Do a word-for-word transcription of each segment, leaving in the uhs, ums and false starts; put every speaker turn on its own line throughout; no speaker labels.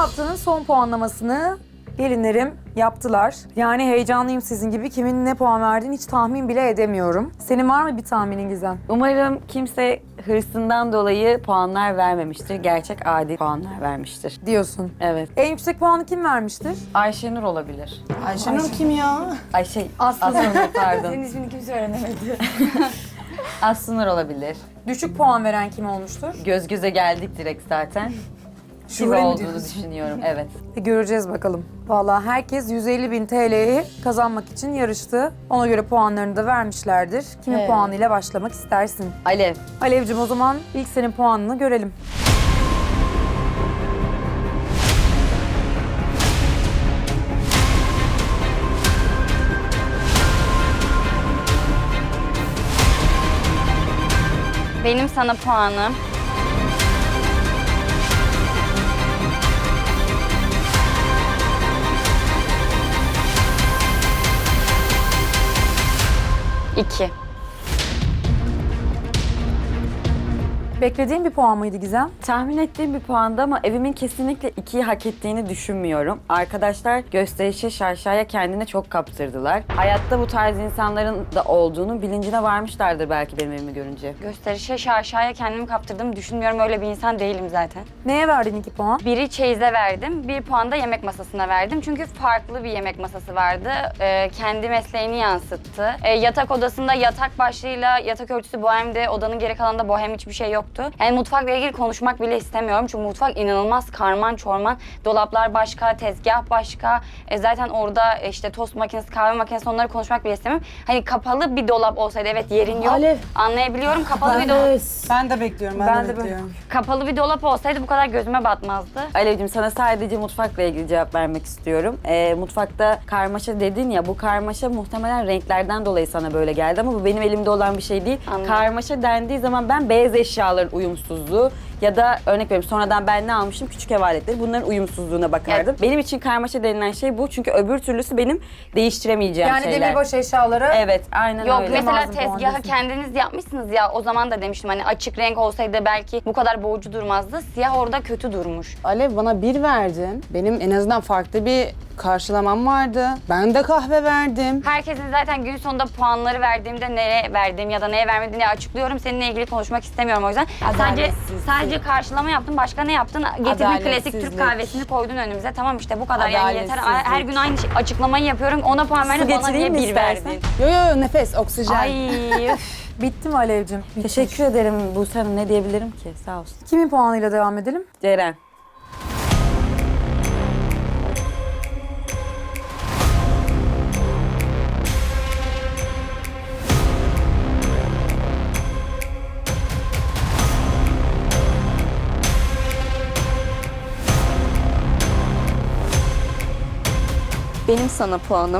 haftanın son puanlamasını gelinlerim yaptılar. Yani heyecanlıyım sizin gibi. Kimin ne puan verdiğini hiç tahmin bile edemiyorum. Senin var mı bir tahminin Gizem?
Umarım kimse hırsından dolayı puanlar vermemiştir. Gerçek adil puanlar vermiştir.
Diyorsun.
Evet.
En yüksek puanı kim vermiştir?
Ayşenur olabilir.
Ayşenur kim ya?
Ay şey,
Aslı.
Aslı'nur pardon.
Senin ismini kimse öğrenemedi.
Aslı'nur olabilir.
Düşük puan veren kim olmuştur?
Göz göze geldik direkt zaten.
Şule
Şura
mi
olduğunu
diyorsun?
düşünüyorum, evet.
E, göreceğiz bakalım. Vallahi herkes yüz elli bin T L'yi kazanmak için yarıştı. Ona göre puanlarını da vermişlerdir. Kimin
Evet.
puanıyla başlamak istersin?
Alev.
Alevcim o zaman ilk senin puanını görelim.
Benim sana puanım. İki.
Beklediğin bir puan mıydı Gizem?
Tahmin ettiğim bir puanda ama evimin kesinlikle ikiyi hak ettiğini düşünmüyorum. Arkadaşlar gösterişe şaşaya kendine çok kaptırdılar. Hayatta bu tarz insanların da olduğunu bilincine varmışlardır belki benim evimi görünce.
Gösterişe şaşaya kendimi kaptırdığımı düşünmüyorum. Öyle bir insan değilim zaten.
Neye verdin iki puan?
Biri çeyize verdim, bir puan da yemek masasına verdim. Çünkü farklı bir yemek masası vardı. Ee, kendi mesleğini yansıttı. Ee, yatak odasında yatak başlığıyla yatak örtüsü bohemdi. Odanın geri kalanında bohem hiçbir şey yoktu. Yani mutfakla ilgili konuşmak bile istemiyorum. Çünkü mutfak inanılmaz karman çorman. Dolaplar başka, tezgah başka. E, zaten orada işte tost makinesi, kahve makinesi onları konuşmak bile istemiyorum. Hani kapalı bir dolap olsaydı evet yerin yok.
Alev.
Anlayabiliyorum. Kapalı bir dolap.
Ben de bekliyorum, ben,
Ben
de,
de
bekliyorum.
Kapalı bir dolap olsaydı bu kadar gözüme batmazdı.
Alevciğim sana sadece mutfakla ilgili cevap vermek istiyorum. Ee, mutfakta karmaşa dedin ya, bu karmaşa muhtemelen renklerden dolayı sana böyle geldi ama bu benim elimde olan bir şey değil.
Anladım.
Karmaşa dendiği zaman ben beyaz eşyaların uyumsuzluğu ya da örnek veriyorum sonradan ben ne almışım küçük ev aletleri bunların uyumsuzluğuna bakardım.
Evet.
Benim için karmaşa denilen şey bu çünkü öbür türlüsü benim değiştiremeyeceğim
Yani
şeyler.
demirbaş eşyaları.
Evet, aynen
Yok
öyle.
mesela
Lazım puan
tezgahı
diyorsun.
kendiniz yapmışsınız ya, o zaman da demiştim hani açık renk olsaydı belki bu kadar boğucu durmazdı. Siyah orada kötü durmuş.
Alev, bana bir verdin. Benim en azından farklı bir karşılamam vardı. Ben de kahve verdim.
Herkesin zaten gün sonunda puanları verdiğimde neye verdiğim ya da neye vermediğini açıklıyorum. Seninle ilgili konuşmak istemiyorum o yüzden. Sadece
Adaletsizlik.
sadece karşılama yaptın. Başka ne yaptın? Getirdin klasik Türk
Adaletsizlik.
kahvesini koydun önümüze. Tamam işte bu kadar yani yeter.
Adaletsizlik.
Her gün aynı şey, açıklamayı yapıyorum. Ona puan verdin, bana
getireyim
niye
mi
bir
istersen?
verdin?
Yo yo nefes, oksijen.
Ay üf.
Bitti mi Alevcim? Bitti.
Teşekkür ederim Buse Hanım, ne diyebilirim ki? Sağ olsun.
Kimin puanıyla devam edelim?
Ceren.
Benim sana puanım.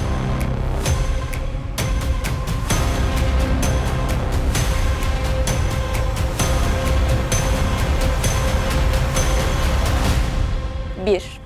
Bir.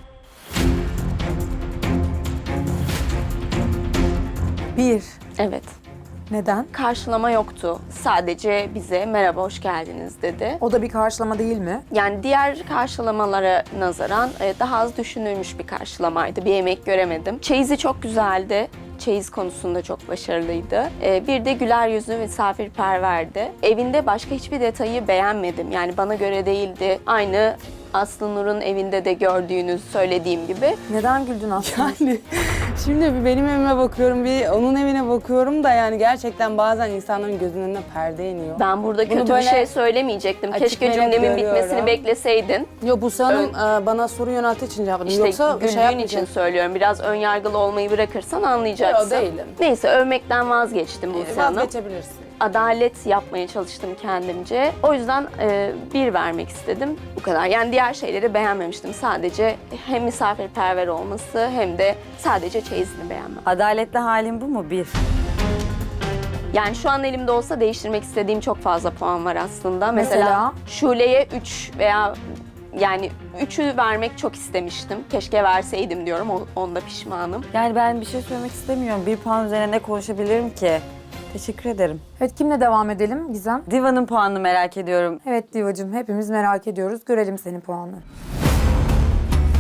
Bir.
Evet.
Neden?
Karşılama yoktu. Sadece bize merhaba, hoş geldiniz dedi.
O da bir karşılama değil mi?
Yani diğer karşılamalara nazaran e, daha az düşünülmüş bir karşılamaydı. Bir emek göremedim. Çeyizi çok güzeldi. Çeyiz konusunda çok başarılıydı. E, bir de güler yüzlü ve misafirperverdi. Evinde başka hiçbir detayı beğenmedim. Yani bana göre değildi. Aynı Aslı Nur'un evinde de gördüğünüz söylediğim gibi.
Neden güldün aslında?
Yani şimdi bir benim evime bakıyorum, bir onun evine bakıyorum da yani gerçekten bazen insanların gözünün önüne perde iniyor.
Ben burada
Bunu
kötü bir
böyle
şey söylemeyecektim.
açık
Keşke
ve net
cümlemin
görüyorum.
bitmesini bekleseydin.
Yo, Buse Hanım e, bana soru yönelttiği için cevapladım.
İşte
Yoksa bir
güldüğün
şey yapmayacağım.
için söylüyorum. Biraz ön yargılı olmayı bırakırsan anlayacaksın.
Yo, değilim.
Neyse, övmekten vazgeçtim Buse Hanım.
Vazgeçebilirsin.
Adalet yapmaya çalıştım kendimce. O yüzden e, bir vermek istedim. Bu kadar. Yani diğer şeyleri beğenmemiştim. Sadece hem misafirperver olması hem de sadece çeyizini beğenmem.
Adaletli halim bu mu? Bir.
Yani şu an elimde olsa değiştirmek istediğim çok fazla puan var aslında. Mesela,
Mesela?
Şule'ye üç veya yani üçü vermek çok istemiştim. Keşke verseydim diyorum. O- Onda pişmanım.
Yani ben bir şey söylemek istemiyorum. Bir puan üzerine ne konuşabilirim ki? Teşekkür ederim.
Evet, kimle devam edelim Gizem?
Diva'nın puanını merak ediyorum.
Evet Divacığım, hepimiz merak ediyoruz. Görelim senin puanını.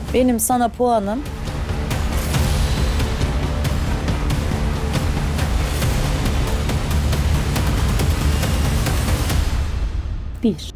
Benim sana puanım bir.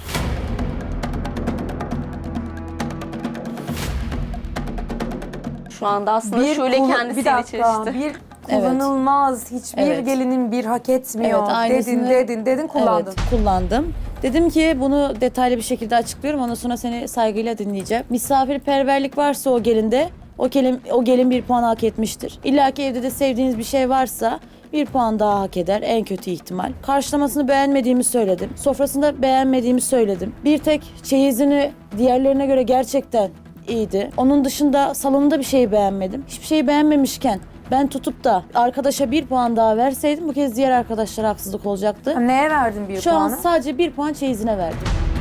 Şu anda aslında
Bir
Şule
kul-
kendisiyle
bir dakika,
çelişti.
bir kullanılmaz, hiçbir
Evet.
gelinin bir hak etmiyor.
Evet, aynısını-
dedin, dedin, dedin, kullandın.
Evet, kullandım. Dedim ki bunu detaylı bir şekilde açıklıyorum. Ondan sonra seni saygıyla dinleyeceğim. Misafirperverlik varsa o gelinde, o gelin, o gelin bir puan hak etmiştir. İlla ki evde de sevdiğiniz bir şey varsa bir puan daha hak eder en kötü ihtimal. Karşılamasını beğenmediğimi söyledim. Sofrasında beğenmediğimi söyledim. Bir tek çeyizini diğerlerine göre gerçekten iyiydi. Onun dışında salonunda bir şeyi beğenmedim. Hiçbir şeyi beğenmemişken ben tutup da arkadaşa bir puan daha verseydim bu kez diğer arkadaşlara haksızlık olacaktı.
Neye verdin bir
Şu
puanı?
an sadece bir puan çeyizine verdim.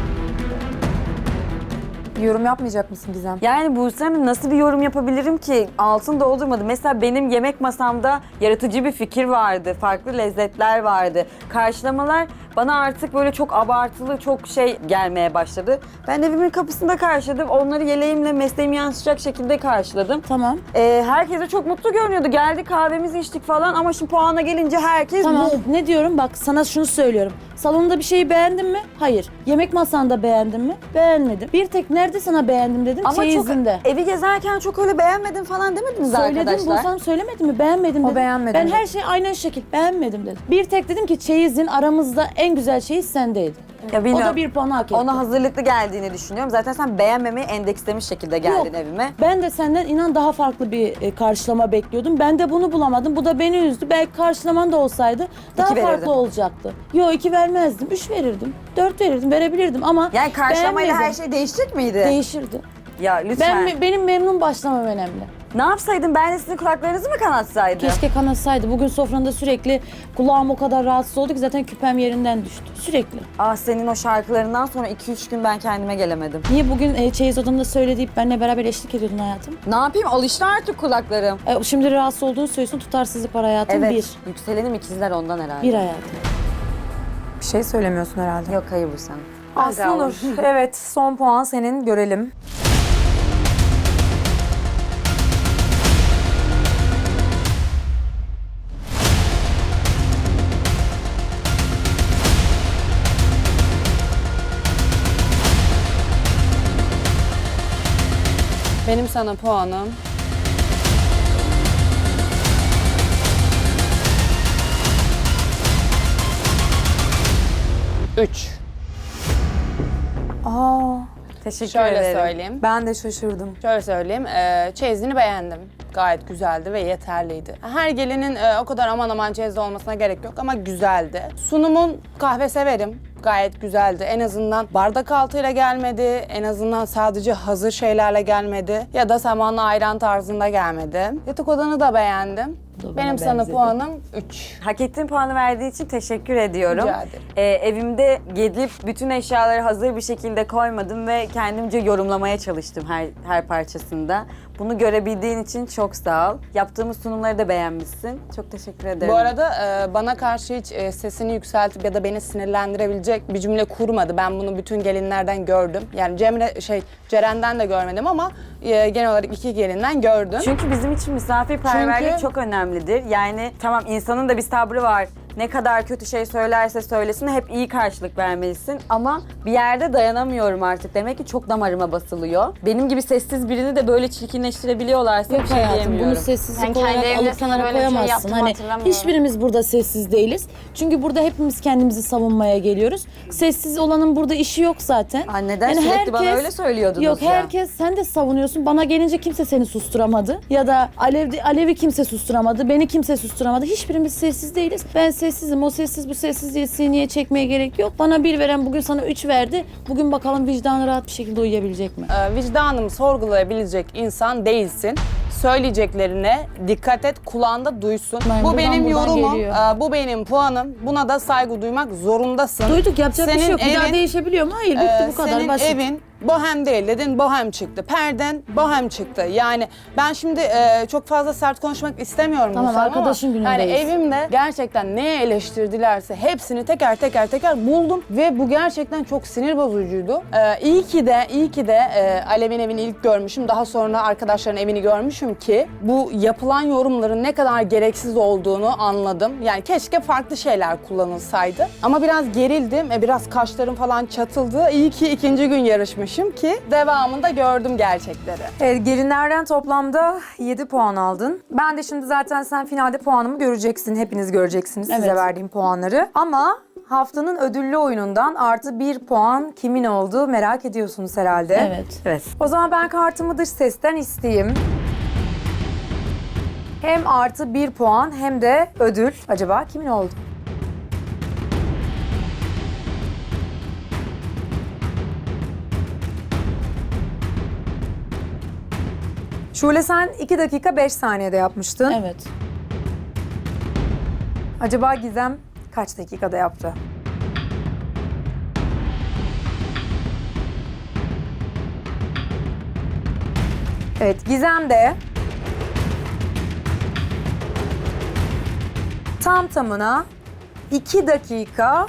Yorum yapmayacak mısın Gizem?
Yani Buse Hanım nasıl bir yorum yapabilirim ki? Altın doldurmadı. Mesela benim yemek masamda yaratıcı bir fikir vardı. Farklı lezzetler vardı. Karşılamalar bana artık böyle çok abartılı, çok şey gelmeye başladı. Ben evimin kapısında karşıladım. Onları yeleğimle mesleğimi yansıtacak şekilde karşıladım.
Tamam.
Ee, herkes de çok mutlu görünüyordu. Geldik kahvemizi içtik falan ama şimdi puana gelince herkes
Tamam.
bu.
Ne diyorum? Bak sana şunu söylüyorum. Salonda bir şeyi beğendin mi? Hayır. Yemek masanda beğendin mi? Beğenmedim. Bir tek nerede sana beğendim dedim?
Ama çok
Çeyizinde.
evi gezerken çok öyle beğenmedim falan demediniz
Söyledim,
arkadaşlar.
Bursa'm söylemedim mi? Beğenmedim
O
dedim.
beğenmedi
Ben
dedi.
her şeyi aynen şekil beğenmedim dedim. Bir tek dedim ki çeyizin aramızda en güzel çeyiz sendeydi.
Ya
O
bilmiyorum.
da bir puan hak etti.
Ona hazırlıklı geldiğini düşünüyorum. Zaten sen beğenmemeyi endekslemiş şekilde geldin
Yok.
evime.
Ben de senden inan daha farklı bir e, karşılama bekliyordum. Ben de bunu bulamadım. Bu da beni üzdü. Belki karşılaman da olsaydı daha
İki
farklı
verirdin.
olacaktı. Yok iki vermezdim. Üç verirdim. Dört verirdim. Verebilirdim ama
Yani karşılamayla her
beğenmedim.
şey değişecek miydi?
Değişirdi.
ya lütfen.
Ben me- benim memnun başlamam önemli.
Ne yapsaydım? Ben de sizin kulaklarınızı mı kanatsaydım?
Keşke kanatsaydı. Bugün sofranda sürekli kulağım o kadar rahatsız oldu ki zaten küpem yerinden düştü. Sürekli.
Ah senin o şarkılarından sonra iki üç gün ben kendime gelemedim.
Niye bugün e, çeyiz odamda söyle deyip benimle beraber eşlik ediyordun hayatım?
Ne yapayım? Alıştı artık kulaklarım.
E, şimdi rahatsız olduğunu söylüyorsun. Tutarsızlık var hayatım.
Evet.
Bir.
Yükselenim ikizler ondan herhalde.
Bir hayatım.
Bir şey söylemiyorsun herhalde.
Yok hayır bu sen.
Aslı'nur, evet son puan senin, görelim.
Benim sana puanım üç.
Aa,
Teşekkür
Şöyle
ederim.
söyleyeyim.
ben de şaşırdım.
Şöyle söyleyeyim. E, çeyizini beğendim. Gayet güzeldi ve yeterliydi. Her gelinin e, o kadar aman aman çeyizli olmasına gerek yok ama güzeldi. Sunumun kahve severim. Gayet güzeldi. En azından bardak altıyla gelmedi. En azından sadece hazır şeylerle gelmedi. Ya da samanlı ayran tarzında gelmedi. Yatak odanı da beğendim.
Bu da bana
Benim sana
benzedi.
puanım üç.
Hak ettiğin puanı verdiği için teşekkür ediyorum.
Rica ederim.
Ee, evimde gelip bütün eşyaları hazır bir şekilde koymadım ve kendimce yorumlamaya çalıştım her her parçasında. Bunu görebildiğin için çok sağ ol. Yaptığımız sunumları da beğenmişsin. Çok teşekkür ederim.
Bu arada e, bana karşı hiç e, sesini yükseltip ya da beni sinirlendirebilecek bir cümle kurmadı. Ben bunu bütün gelinlerden gördüm. Yani Cemre şey Ceren'den de görmedim ama e, genel olarak iki gelinden gördüm.
Çünkü bizim için misafirperverlik
Çünkü-
çok önemlidir. Yani tamam insanın da bir sabrı var. Ne kadar kötü şey söylerse söylesin hep iyi karşılık vermelisin. Ama bir yerde dayanamıyorum artık. Demek ki çok damarıma basılıyor. Benim gibi sessiz birini de böyle çirkinleştirebiliyorlarsa
Yok
bir şey
hayatım
diyemiyorum.
bunu sessizlik
Ben kendi
olarak
evimde
alıp
sana
kenara
böyle bir şey
koyamazsın.
yaptığımı
Hani
hatırlamıyorum.
hiçbirimiz burada sessiz değiliz. Çünkü burada hepimiz kendimizi savunmaya geliyoruz. Sessiz olanın burada işi yok zaten.
Aa, neden? Sürekli bana öyle söylüyordunuz
Yok
ya.
herkes sen de savunuyorsun. Bana gelince kimse seni susturamadı. Ya da Alev, Alev'i kimse susturamadı. Beni kimse susturamadı. Hiçbirimiz sessiz değiliz. Ben sessizim. O sessiz bu sessiz diye sineye çekmeye gerek yok. Bana bir veren bugün sana üç verdi. Bugün bakalım vicdanı rahat bir şekilde uyuyabilecek mi?
E, vicdanımı sorgulayabilecek insan değilsin. Söyleyeceklerine dikkat et, kulağında duysun.
Ben
bu
buradan
benim
buradan
yorumum,
geliyor.
e, bu benim puanım. Buna da saygı duymak zorundasın.
Duyduk yapacak bir şey
Senin
yok. Bir daha
evin-
değişebiliyor mu? Hayır bitti
Ee,
bu kadar
senin
basit.
evin Bohem değil dedin, bohem çıktı. Perden bohem çıktı. Yani ben şimdi e, çok fazla sert konuşmak istemiyorum.
Tamam,
Gülsem ama
arkadaşın günündeyiz.
Yani evimde gerçekten neye eleştirdilerse hepsini teker teker teker buldum ve bu gerçekten çok sinir bozucuydu. E, iyi ki de, iyi ki de e, Alev'in evini ilk görmüşüm. Daha sonra arkadaşların evini görmüşüm ki bu yapılan yorumların ne kadar gereksiz olduğunu anladım. Yani keşke farklı şeyler kullanılsaydı. Ama biraz gerildim, e, biraz kaşlarım falan çatıldı. İyi ki ikinci gün yarışmışım ki devamında gördüm gerçekleri.
Evet, gelinlerden toplamda yedi puan aldın. Ben de şimdi zaten sen finalde puanımı göreceksin. Hepiniz göreceksiniz size
Evet.
verdiğim puanları. Ama haftanın ödüllü oyunundan artı bir puan kimin oldu merak ediyorsunuz herhalde.
Evet.
Evet. O zaman ben kartımı dış sesten isteyeyim. Hem artı bir puan hem de ödül. Acaba kimin oldu? Şule sen iki dakika beş saniyede yapmıştın.
Evet.
Acaba Gizem kaç dakikada yaptı? Evet, Gizem de tam tamına iki dakika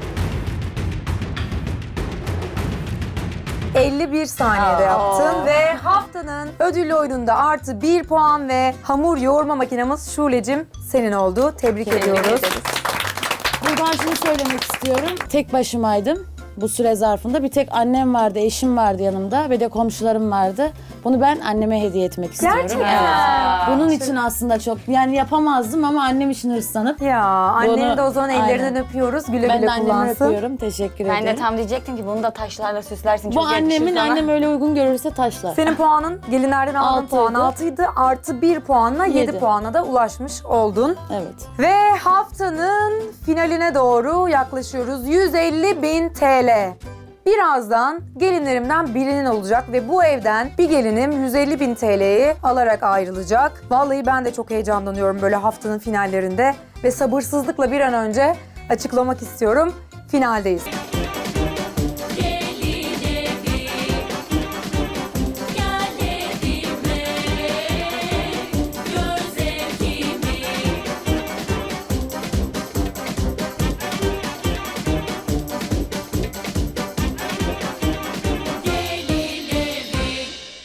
elli bir saniyede yaptın ve haftanın ödüllü oyununda artı bir puan ve hamur yoğurma makinamız Şule'cim senin oldu. Tebrik ediyoruz.
Buradan şunu söylemek istiyorum. Tek başımaydım bu süre zarfında. Bir tek annem vardı, eşim vardı yanımda ve de komşularım vardı. Bunu ben anneme hediye etmek istiyorum.
Gerçekten.
Evet. Bunun için aslında çok, yani yapamazdım ama annem için hırslanıp.
Ya annenin
Bunu-
de o zaman ellerinden
Aynen.
öpüyoruz. Güle
Ben
güle
de annemi
kullansın.
öpüyorum. Teşekkür
Ben
ederim.
de tam diyecektim ki bunu da taşlarla süslersin.
Bu
Çok yakışır
annemin,
sana.
annem öyle uygun görürse taşlar.
Senin puanın gelinlerden aldığın
Altıydı.
puan altıydı. Artı bir puanla yedi
Yedi.
puana da ulaşmış oldun.
Evet.
Ve haftanın finaline doğru yaklaşıyoruz. yüz elli bin T L. Birazdan gelinlerimden birinin olacak ve bu evden bir gelinim yüz elli bin T L'yi alarak ayrılacak. Vallahi ben de çok heyecanlanıyorum böyle haftanın finallerinde ve sabırsızlıkla bir an önce açıklamak istiyorum. Finaldeyiz.